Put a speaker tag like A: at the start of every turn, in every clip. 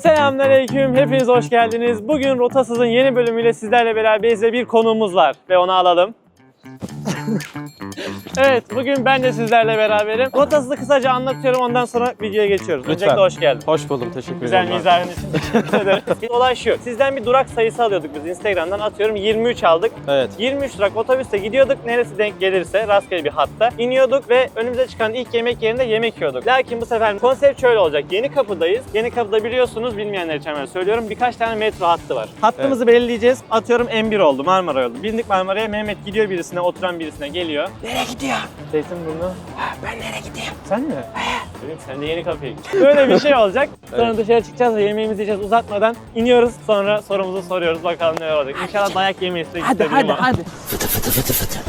A: Selamünaleyküm, hepiniz hoş geldiniz. Bugün Rotasız'ın yeni bölümüyle sizlerle beraberiz ve bir konuğumuz var ve onu alalım. Evet, bugün ben de sizlerle beraberim. Rotasız'ı kısaca anlatıyorum, ondan sonra videoya geçiyoruz.
B: Lütfen.
A: Öncelikle hoş geldin.
B: Hoş buldum, teşekkür
A: Güzel
B: ederim.
A: mizahın için teşekkür ederim. Olay şu, sizden bir durak sayısı alıyorduk biz Instagram'dan, atıyorum 23 aldık.
B: Evet.
A: 23 durak otobüste gidiyorduk, neresi denk gelirse rastgele bir hatta iniyorduk ve önümüze çıkan ilk yemek yerinde yemek yiyorduk. Lakin bu sefer konsept şöyle olacak, Yenikapı'dayız. Yenikapı'da biliyorsunuz, bilmeyenler için hemen söylüyorum, birkaç tane metro hattı var. Hattımızı belirleyeceğiz, atıyorum M1 oldu, Marmara oldu. Bindik Marmara'ya, Mehmet gidiyor birisine, oturan birisine geliyor.
C: Nereye gidiyor?
A: Zeytinburnu.
C: Ben nereye gideyim?
A: Sen mi? Dedim sen de Yenikapı'ya git. Böyle bir şey olacak. Sonra dışarı çıkacağız ve yemeğimizi yiyeceğiz. Uzatmadan iniyoruz. Sonra sorumuzu soruyoruz. Bakalım ne olacak. İnşallah dayak yemeyiz.
C: Hadi. Fıtı fıtı fıtı fıtı.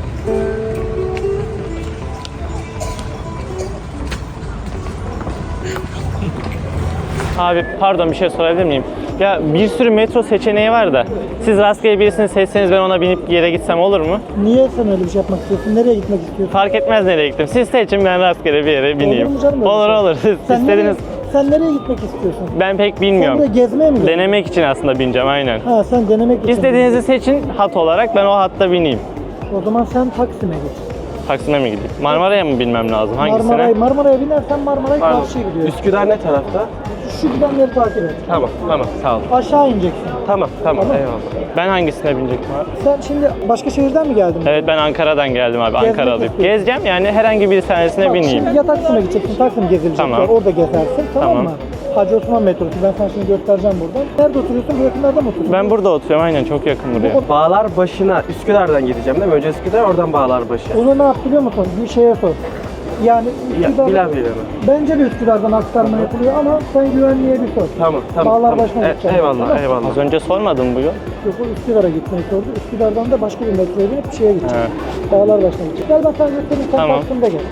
A: Abi pardon, bir şey sorabilir miyim? Ya bir sürü metro seçeneği var da siz rastgele birisini seçseniz ben ona binip yere gitsem olur mu?
D: Niye sen öyle bir şey yapmak istiyorsun? Nereye gitmek istiyorsun?
A: Fark etmez nereye gittim. Siz seçin, ben rastgele bir yere bineyim.
D: Olur mu canım öyle
A: Olur
D: şey?
A: olur. Siz
D: Sen
A: istediğiniz...
D: sen nereye gitmek istiyorsun?
A: Ben pek
D: Sen
A: bilmiyorum.
D: buraya gezmeye mi geldin?
A: Denemek için aslında bineceğim, aynen.
D: Ha, sen denemek için.
A: İstediğinizi seçin hat olarak, ben o hatta bineyim.
D: O zaman sen Taksim'e git.
A: Taksim'e mi gideyim? Marmara'ya mı binmem lazım? Hangisine?
D: Marmara'ya binersen Marmara'ya karşıya gidiyorsun.
B: Üsküdar ne tarafta?
D: Şu gidenleri takip et.
B: Tamam, sağ ol.
D: Aşağı ineceksin.
B: Tamam, eyvallah.
A: Ben hangisine binecektim abi?
D: Sen şimdi başka şehirden mi geldin?
A: Evet, ben Ankara'dan geldim abi.
D: Gezmek
A: Ankara'lıyım.
D: istiyorsun.
A: Gezeceğim yani, herhangi bir tanesine
D: Bak,
A: bineyim.
D: şimdi ya Taksim'e gideceksin, Taksim gezilecek.
A: Tamam.
D: Var, orada gezersin, tamam
A: Tamam.
D: mı? Hacı Osman metrosu, ben sana şimdi göstereceğim buradan. Nerede oturuyorsun? Bu yakınlarda mı oturuyorsun?
A: Ben burada oturuyorum, aynen, çok yakın buraya.
B: Bağlarbaşı'na Üsküdar'dan gideceğim değil mi? Önce Üsküdar, oradan Bağlarbaşı.
D: Onu ne yap biliyor musun? Bir şeye sor. Yani Üsküdar,
B: Bilemem.
D: bence de Üsküdar'dan aktarma yapılıyor ama sen güvenliğe bir sor.
B: Tamam.
D: Bağlarbaşı'na gideceğim. Tamam.
B: Eyvallah.
A: Az önce sormadın bu yol.
D: Yok, o Üsküdar'a gitmeyi sordu. Üsküdar'dan da başka bir metroya binip bir şeye gidecek. Bağlarbaşı'na gidecek. Gel bak, sen göstereyim, sen
A: Tamam.
D: Taksim'de gel.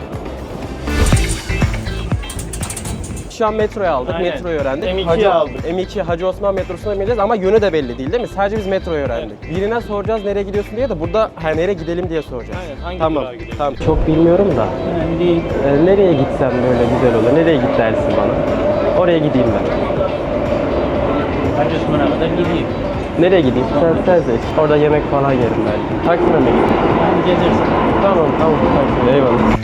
B: Şu an metroyu aldık,
A: Aynen.
B: metroyu öğrendik.
A: M2'yi aldık.
B: M2 Hacı Osman metrosuna bineceğiz ama yönü de belli değil mi? Sadece biz metroyu öğrendik. Birine soracağız nereye gidiyorsun diye de burada nereye gidelim diye soracağız.
A: Aynen, hangi
B: Tamam,
A: durağa gidelim?
B: tamam. Çok bilmiyorum da. Nereye gitsem böyle güzel olur? Nereye git dersin bana? Oraya gideyim ben.
C: Hacı Osman'a kadar gideyim.
B: Nereye gideyim? Sen seç. Orada yemek falan yerim belki. Taksim'e mi gideyim?
C: Ben gezersin.
B: Tamam. Taksim'e. Eyvallah.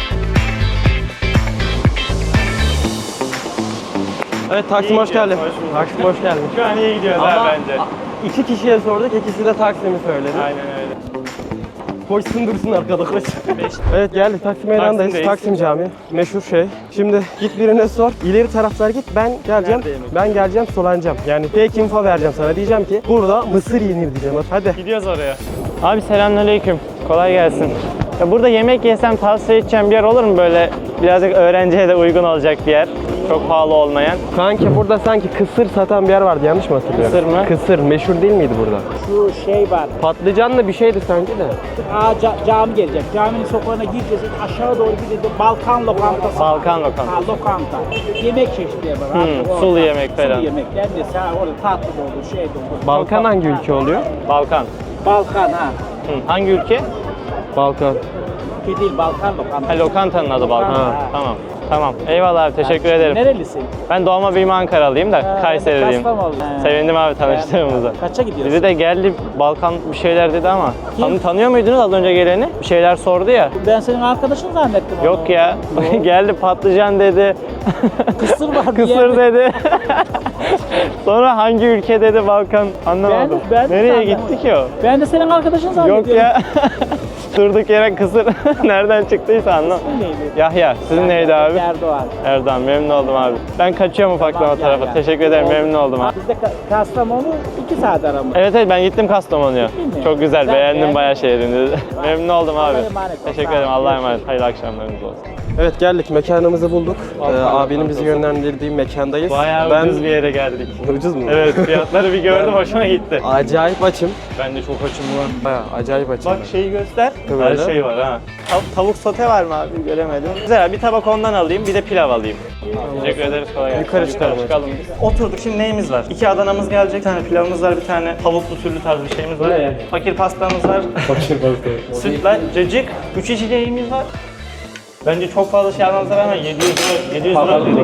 B: Evet, Taksim hoş geldin. Taksim hoş geldin.
A: Şu an iyi gidiyoruz
B: Ama
A: abi bence.
B: 2 kişiye sorduk, ikisi de Taksim'i söyledi.
A: Aynen öyle.
B: Koşsun dursun arkada koş. Evet, geldik Taksim Meydanı'ndayız.
A: Taksim'deyiz.
B: Taksim Camii. Meşhur şey. Şimdi git birine sor. İleri taraflar git. Ben geleceğim.
A: Nerede yemek?
B: Ben geleceğim, solanacağım. Yani fake info vereceğim sana. Diyeceğim ki burada mısır yenir diyeceğim. Hadi.
A: Gidiyoruz oraya. Abi selamünaleyküm. Kolay gelsin. Ya burada yemek yesem tavsiye edeceğim bir yer olur mu, böyle birazcık öğrenciye de uygun olacak bir yer? Çok pahalı olmayan.
B: Kanki burada sanki kısır satan bir yer vardı. Yanlış mı hatırlıyorum?
A: Kısır mı?
B: Kısır. Meşhur değil miydi burada?
C: Şu şey var.
B: Patlıcanlı bir şeydi sanki de.
C: Cami gelecek. Caminin sokağına gireceğiz. Aşağı doğru gideceğiz. Balkan lokantası.
A: Balkan lokantası.
C: Ha, lokanta. Yemek çeşitleri var. Artık orada.
A: sulu yemek falan.
C: Sulu yemek. Yani sen orada tatlı da olur, şey de olur.
B: Balkan hangi ülke oluyor?
A: Balkan.
C: Balkan ha.
A: Hangi ülke?
B: Balkan.
C: Ülke değil, Balkan lokantası.
A: Ha, lokantanın adı Balkan.
C: Ha.
A: Tamam. Tamam. Eyvallah abi, teşekkür ederim.
C: Nerelisin?
A: Ben doğma büyüme Ankaralıyım da Kayseriliyim.
C: Kastamonu.
A: Sevindim abi tanıştığımıza.
C: Kaça gidiyorsun?
A: Bizi de geldi Balkan bir şeyler dedi ama. Tanıyor muydunuz az önce geleni? Bir şeyler sordu ya.
C: Ben senin arkadaşın zannettim onu.
A: Yok ya. Geldi patlıcan dedi.
C: Kısır var diye.
A: Kısır dedi. Sonra hangi ülke dedi, Balkan, anlamadım.
C: Ben de
A: Nereye
C: zannettim.
A: gitti ki o?
C: Ben de senin arkadaşın zannediyorum.
A: Yok ya. Durduk yere kısır nereden çıktıysa anlamadım.
C: İsmin neydi?
A: Yahya. Sizin neydi abi?
C: Erdoğan.
A: Erdoğan, memnun oldum abi. Ben kaçıyorum ufaktan o tarafa.
C: gel.
A: Teşekkür ederim,
C: Oldu.
A: memnun oldum abi.
C: Bizde Kastamonu 2 saat aramız.
A: Evet ben gittim Kastamonu'ya.
C: Gittin mi?
A: Çok güzel,
C: Güzel,
A: beğendim
C: beğendin
A: bayağı
C: mi?
A: şehrini. Memnun oldum abi.
C: Allah'a emanet ol.
A: Teşekkür
C: Sağ ol.
A: ederim, Allah'a emanet. Hayırlı akşamlarınız olsun.
B: Evet, geldik. Mekanımızı bulduk. Abinin bizi yönlendirdiği mekandayız.
A: Bayağı ucuz bir yere geldik.
B: Ucuz mu?
A: Evet, fiyatları bir gördüm, hoşuma gitti.
B: Acayip açım.
A: Ben de çok hoşum var.
B: Bayağı acayip açım.
A: Bak şeyi göster.
B: Böyle.
A: Her şey var ha. Tavuk sote var mı abi? Göremedim. Güzel, bir tabak ondan alayım, bir de pilav alayım. Teşekkür ederiz, kolay gelsin.
B: Yukarı çıkalım.
A: biz. Oturduk, şimdi neyimiz var? 2 Adana'mız gelecek, bir tane pilavımız var, bir tane tavuklu türlü tarz bir şeyimiz var. Fakir pastamız var. Fakir pasta. Sütlaç, cacık, 3 içeceğimiz var. Bence çok fazla şey almamıza rağmen 700 lira dedik.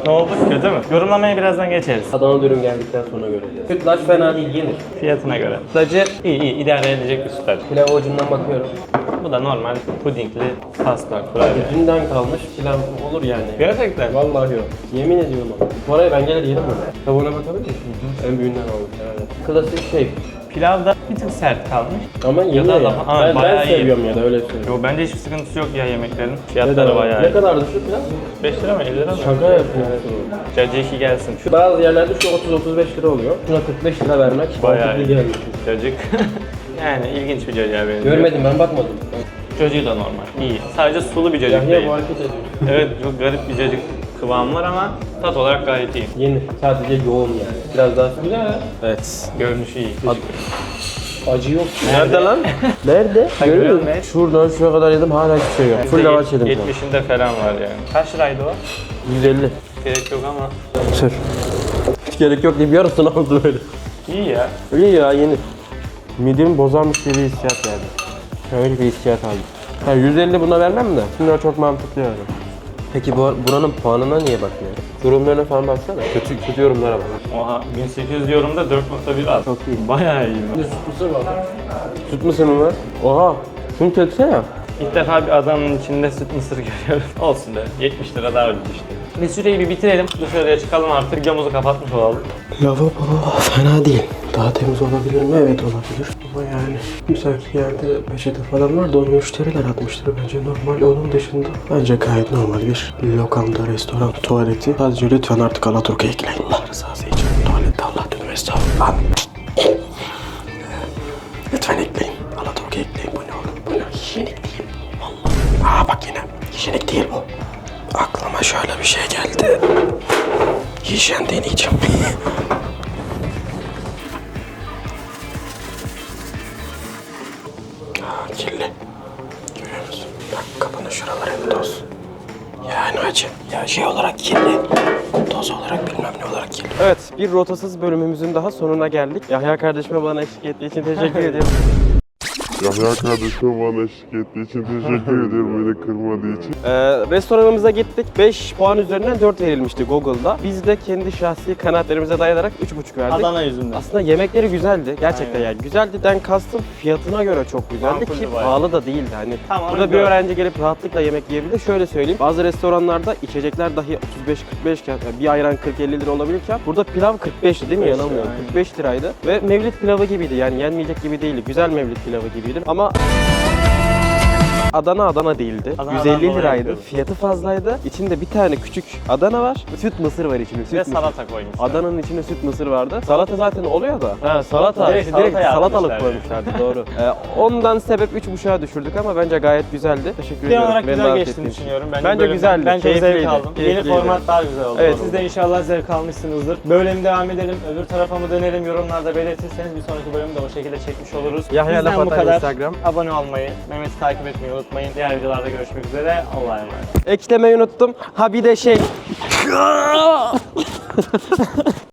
A: Ne oldu? Kötü mü? Yorumlamaya birazdan geçeriz.
B: Adana dürüm geldikten sonra göreceğiz. Sütlaç fena değil, yenir.
A: Fiyatına göre.
B: Sütlacı
A: İyi idare edecek bir sütlaç.
B: pilav ucundan bakıyorum.
A: Bu da normal pudingli pasta kurabiye.
B: Dünden kalmış pilav olur yani.
A: Gerçekten.
B: Vallahi yok. Yemin ediyorum ama. Bu araya ben gelir yerim bunu. Tavuğuna bakabilir misin? En büyüğünden almış herhalde. Klasik şey.
A: Pilav da bir tık sert kalmış.
B: Ama yeniyor ya.
A: Aa,
B: Ben
A: bayağı iyi.
B: seviyorum ya da öyle söyleyeyim.
A: Yo bence hiçbir sıkıntısı yok ya yemeklerin. Fiyatları bayağı
B: Ne
A: iyi.
B: kadardı şu pilav?
A: 5 lira mı 50 lira mı?
B: Şaka yapıyorsun.
A: Cacık gelsin.
B: Şu bazı yerlerde şu 30-35 lira oluyor. Şuna 45 lira vermek
A: Bayağı
B: mantıklı
A: iyi.
B: gelmiş.
A: Cacık. Yani ilginç bir cacığa benziyor.
B: Görmedim, ben bakmadım.
A: Cacığı da normal. İyi. Sadece sulu bir cacık
B: Yahya
A: değil.
B: bu hareket ediyor.
A: Evet çok garip bir cacık kıvamı var ama tat olarak gayet iyi.
B: Yeni. Sadece yoğun yani. Biraz daha güzel. Evet.
A: Görünüş iyi.
B: Acı yok. Nerede lan? Nerede?
A: Görüyor musun?
B: Şuradan şuraya kadar yedim, hala hiçbir şey yok. Full lavaş yedim şu an.
A: 70'inde falan var yani. Kaç liraydı o?
B: 150.
A: Gerek yok ama.
B: Sür. Hiç gerek yok deyip yarısını aldı böyle.
A: İyi ya.
B: İyi ya, yeni. Midemi bozarmış gibi bir hissiyat yani. Şöyle bir hissiyat aldım. Ha, 150 buna vermem de. Bunlar çok mantıklı yani. Peki buranın puanına niye bakmıyorum? Yorumlarına falan baksana. Kötü yorumlara bak.
A: Oha 1800 yorumda 4.1 az.
B: Çok iyi.
A: Bayağı iyi.
B: Süt mısır var. Süt mısır mı var? Oha. Şunu çeksene.
A: İlk defa bir Adana'nın içinde süt mısır görüyorum. Olsun be. 70 lira daha ucuz işte. Biz süreyi bir bitirelim. Dışarıya çıkalım artık. Videomuzu kapatmış olalım.
B: Lavabo fena değil. Daha temiz olabilir mi? Evet olabilir. Ama yani müsait yerde peçete falan var da onu müşteriler atmıştır. Bence normal. Onun dışında bence gayet normal bir lokanta, restoran, tuvaleti. Sadece lütfen artık Alaturka ekleyin. Allah rızası için. Tuvalette Allah dönüm estağfurullah. Lütfen ekleyin. Alaturka ekleyin. Bu ne oğlum? Bu ne? Hijyenik değil. Vallahi. Aa bak yine. Hijyenik değil bu. Aklıma şöyle bir şey geldi. Hijyen deneyeceğim. Aa, kirli. Görüyor musun? Bak kapının şuraları hep toz. Yani acı. Ya şey olarak kirli. Toz olarak bilmem ne olarak kirli. Evet, bir rotasız bölümümüzün daha sonuna geldik. Yahya kardeşime bana eşlik ettiği için teşekkür ederim.
E: Yahya kardeşim bana eşlik ettiği için teşekkür ediyorum, beni kırmadığı için.
B: Restoranımıza gittik. 5 puan üzerinden 4 verilmişti Google'da. Biz de kendi şahsi kanaatlerimize dayanarak 3,5 verdik.
A: Adana yüzünden.
B: Aslında yemekleri güzeldi. Gerçekten
A: Aynen.
B: yani. Güzeldiden kastım fiyatına göre çok güzeldi
A: Makuldü
B: ki
A: bayağı.
B: pahalı da değildi. Hani
A: Tamam,
B: burada bir
A: güzel.
B: öğrenci gelip rahatlıkla yemek yiyebilir. Şöyle söyleyeyim. Bazı restoranlarda içecekler dahi 35-45 iken, yani bir ayran 40-50 lira olabilirken burada pilav 45'ti değil mi?
A: 45
B: Yanılmıyorum.
A: aynen.
B: 45 liraydı. Ve mevlid pilavı gibiydi. Yani yenmeyecek gibi değildi. Güzel mevlid pilavı gibiydi. Ama Adana değildi.
A: Adana
B: 150
A: dolayı
B: liraydı.
A: yapıyoruz.
B: Fiyatı fazlaydı. İçinde bir tane küçük Adana var. Süt mısır var içinde. Süt
A: Ve
B: mısır.
A: salata koymuşlar.
B: Adana'nın içinde süt mısır vardı. Salata zaten oluyor da. Ha salata.
A: Direkt
B: İşte direkt
A: salata
B: salatalık
A: yapmışlar
B: koymuşlardı doğru. Ondan sebep 3,5'a düşürdük ama bence gayet güzeldi. Teşekkür
A: Genel
B: ediyorum.
A: olarak
B: Beni
A: güzel
B: davet
A: geçtiğini
B: ettiğin için.
A: düşünüyorum.
B: Bence
A: bölüm-
B: güzeldi.
A: Ben çok zevk
B: Keyifliydi.
A: aldım. Yeni
B: Keyifliydi.
A: format daha güzel oldu.
B: Evet.
A: Siz de inşallah zevk almışsınızdır. Böyle mi devam edelim, öbür tarafa mı dönelim yorumlarda belirtirseniz bir sonraki bölümde o şekilde çekmiş oluruz.
B: Yahya
A: Bizden bu
B: Lafatan
A: kadar.
B: Instagram.
A: Abone olmayı, Mehmet'i takip etmeyi unutmayın. Diğer videolarda görüşmek üzere. Allah'a emanet.
B: Eklemeyi unuttum. Ha bir de şey.